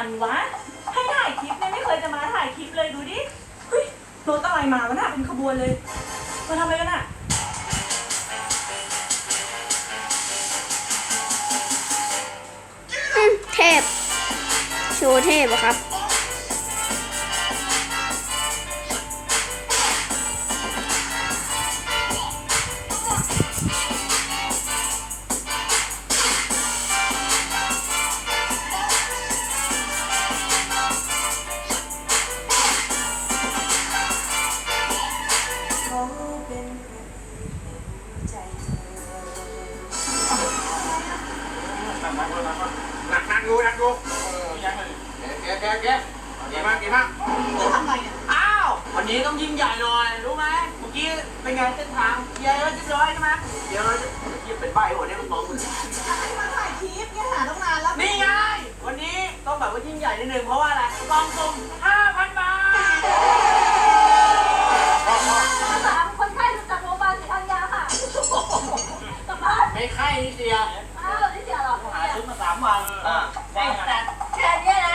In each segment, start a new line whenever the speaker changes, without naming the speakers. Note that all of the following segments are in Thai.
มันวะให้ถ่ายคลิปเนี่ยไม่เคยจะมาถ่ายคลิปเลยดูดิเฮ้ยรถอะไรมาวะน่ะเป็นขบวนเลยมาทำอะไรกันน่ะ
เทพโชว์เทพอะครับ
นักดูยังไงแกดีมาก
จะทำอะไรเนี่ย
อ้าววันนี้ต้องยิ่งใหญ่หน่อยรู้ไหมเมื่อกี้เป็นไงเส้นทางเคลียร์แล้วเรียบร้อยใช่ไหมเดี๋ยวเราจะเป็นใบหัวเนี่ยมันมองมึง
มาถ่ายคลิปเนี่ยหาตั้งนานแล้ว
นี่ไงวันนี้ต้องแบบว่ายิ่งใหญ่นิดนึงเพราะว่าอะไรกองสุ่ม 5,000 บาท
3 คนไข้จากโรงพยาบาลศรีธัญญาค่ะกลับบ้าน
ไม่ไข้นิดเดียว
อ้าวนี่เสียหรอ
หาซื้อมา3 วันได้แต่
แค่นี้นะ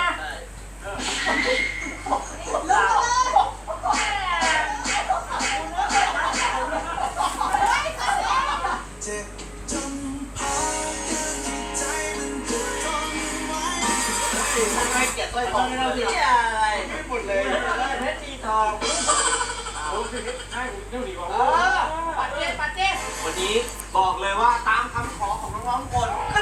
เลิกเลย
ทำไมเกลียดสร้อยทองเราเนี่ยอะไรไม่หมดเลยเพชรตีทองปัดเจ๊วันนี้บอกเลยว่าตามคำขอของน้องๆทุกคน